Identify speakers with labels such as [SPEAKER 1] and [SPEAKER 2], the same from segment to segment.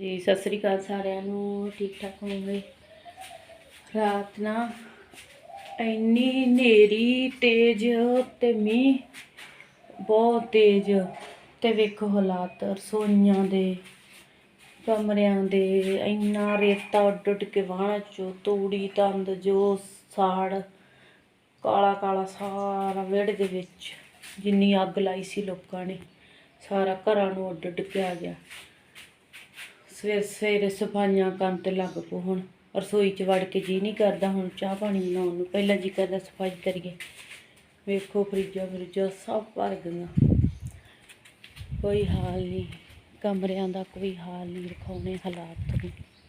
[SPEAKER 1] जी सत श्री अकाल सारिਆਂ ਨੂੰ ठीक ठाक होंगे। रात ना इन्नी हनेरी तेज ते मीह बहुत तेज ते वेखो हालात रसोइयां दे कमरियां दे इन्ना रेता उड उड के वाहना चो तूड़ी तंद जो साड़ काला काला सारा विहड़े दे विच जिन्नी अग लाई सी लोकां ने सारा घरां नूं उड उड के आ गया। सवेरे सवेरे सफाइयां करन ते लग पो हुण रसोई च वड़ के जी नहीं करदा हुण चाह पानी बनाउण नूं पहलां जी करदा सफाई करिए। वेखो फ्रिजां फ्रिजां सब भर गईयां कोई हाल नहीं कमरियां दा कोई हाल नहीं रखाउने हालात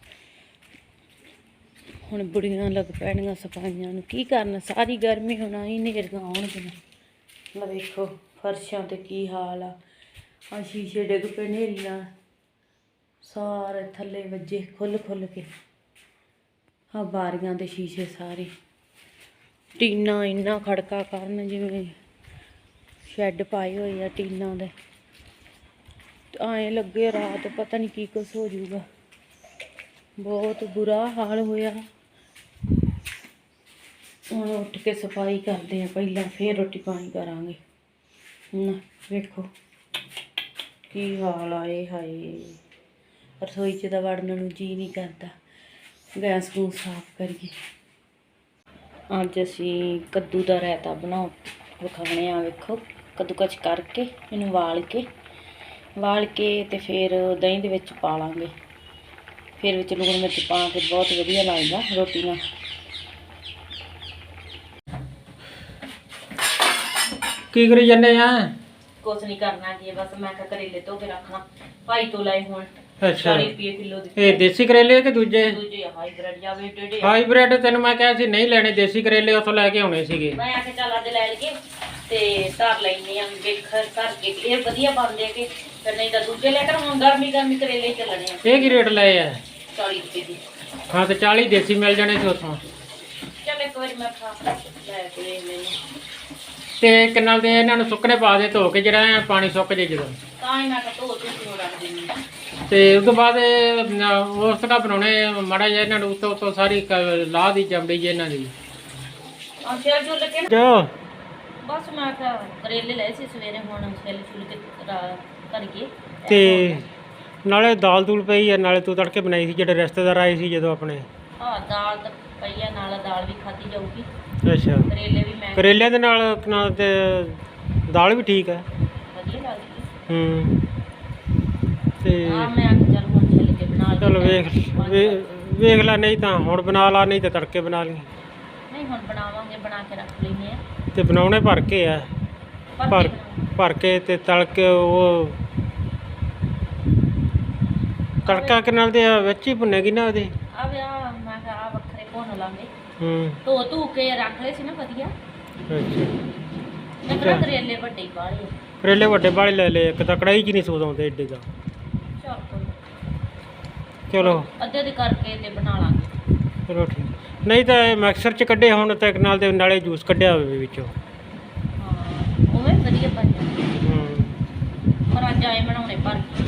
[SPEAKER 1] हुण बुढ़ियां लग पैणियां सफाइयां नूं की करना सारी गर्मी हुण आई नेरियां आउणगियां। वेखो फर्शां ते की हाल आ शीशे डिग पे नेरी नाल सारे थले वजे खुल खुल के हाँ बारियां दे शीशे सारे टीना इन्ना खड़का करन जिवें शैड पाए हुए आ टीना दे आए लगे रात पता नहीं की कुछ हो जाऊगा। बहुत बुरा हाल होया। हुण उठ के सफाई करते हैं पहला फिर रोटी पानी करांगे। वेखो की हाल आए हाय रसोई च तो वड़न नूं जी नहीं करता। गैस गूस साफ करिए। अज असी कद्दू का रायता बनाओ विखाने आ। वेखो कद्दूकस करके इनू वाल के ते फिर दही दे विच पा लांगे फिर विच लूण मिर्च पा के बहुत वधिया लगदा रोटी नाल।
[SPEAKER 2] की करी जाने आ?
[SPEAKER 1] कुछ नहीं करना की बस मैं करेले धो के रखना भाई तो लाए हुण।
[SPEAKER 2] अच्छा
[SPEAKER 1] 40 रुपये किलो
[SPEAKER 2] ये देसी करेले कि दूजे?
[SPEAKER 1] दूजे हाईब्रिड या वे टेढ़े
[SPEAKER 2] हाईब्रिड तेन मैं कहा सी नहीं लेने देसी करेले उथों लैके आने सीगे।
[SPEAKER 1] मैं आके चल अज लै लगे ते धर लैने आ वेखर धर के ये वधिया बनदे के फिर नहीं तां दूजे लेकर हुण गर्मी गर्मी करेले ही चलने आ।
[SPEAKER 2] ये की रेट लाए आ?
[SPEAKER 1] 40 रुपये दी।
[SPEAKER 2] हाँ तो 40 देसी मिल जाने सी उथों।
[SPEAKER 1] चल एक बार मैं खा लै के देख लैनी
[SPEAKER 2] ते किन्ना दे इन्हां नूं सुकने पा दे धो के जिहड़ा पानी सुक जे जदों
[SPEAKER 1] तां ही मैं धो धो रख दिंदी।
[SPEAKER 2] ते उस तो बाद उस तक बनाने माड़ा जिहा इन्हां नूं उत्तों उत्तों सारी लाह दी चमड़ी जी इन्हां दी
[SPEAKER 1] अच्छा जो लगे
[SPEAKER 2] जो
[SPEAKER 1] बस मैं करेले ले सी सवेरे हुण छिल छुल के करिए
[SPEAKER 2] ते नाले दाल दूल पई है नाले तू तड़के बनाई सी जिहड़े रिश्तेदार आए सी जदों अपने।
[SPEAKER 1] हाँ दाल तो पई है नाल दाल भी खाधी जाऊगी।
[SPEAKER 2] अच्छा
[SPEAKER 1] करेले भी मैं
[SPEAKER 2] करेले दे नाल ते दाल भी ठीक है
[SPEAKER 1] वधिया लगदी।
[SPEAKER 2] ते
[SPEAKER 1] मैं आके चल हुण छिल के बना ली।
[SPEAKER 2] चलो वेख ला नहीं तो हुण बना ला नहीं तो तड़के बना ली।
[SPEAKER 1] नहीं हुण बनावांगे बना के रख लैने आ
[SPEAKER 2] ते बनाउणे भर के आ भर के ते तल के वो तड़का के नाल दे विच ही भुनेगी ना ओहदे
[SPEAKER 1] आ वे आ मैं आ वखरे भुन लांगे धो धू के रख ले सी ना वधिया।
[SPEAKER 2] अच्छा
[SPEAKER 1] मैं करा करेले वड्डे ही बाले
[SPEAKER 2] करेले वड्डे बाले ले ले एक तां कढ़ाई च नहीं सूद आउंदे एडे दा। चलो
[SPEAKER 1] अद्धे दे करके ते बना लांगे।
[SPEAKER 2] चलो ठीक नहीं तो मिक्सर च कड्ढे हुण ते नाल दे नाले जूस कड्ढिया होवे विचों।
[SPEAKER 1] हाँ उवें वधिया बन जांदे पर अज आए बनाउणे भर के।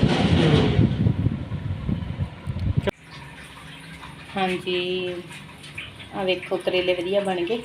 [SPEAKER 1] हाँ जी आ वेखो करेले वधिया बन गए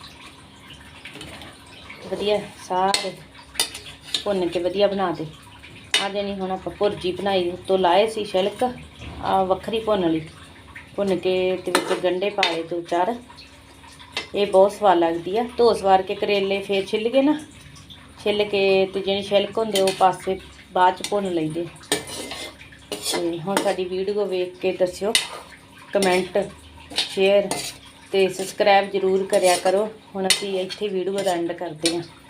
[SPEAKER 1] वधिया सारे भुन के वधिया बना दे। आ जनी हुण आपां भुर्जी बनाई उत्तों लाए सी छिलक आ वखरी भुन ली भुन के ते विच गंढे पा लए 2-4 ये बहुत स्वाद लगदी है। धो सवार के करेले फिर छिल के ना छिल के ते जिहड़ी छिलक हुंदे वो पासे बाद च भुन लईदे। ते हुण साडी वीडियो वेख के दस्सिओ कमेंट शेयर ते सबसक्राइब जरूर करिया करो। हुण असीं इत्थे वीडियो दा एंड करदे हां।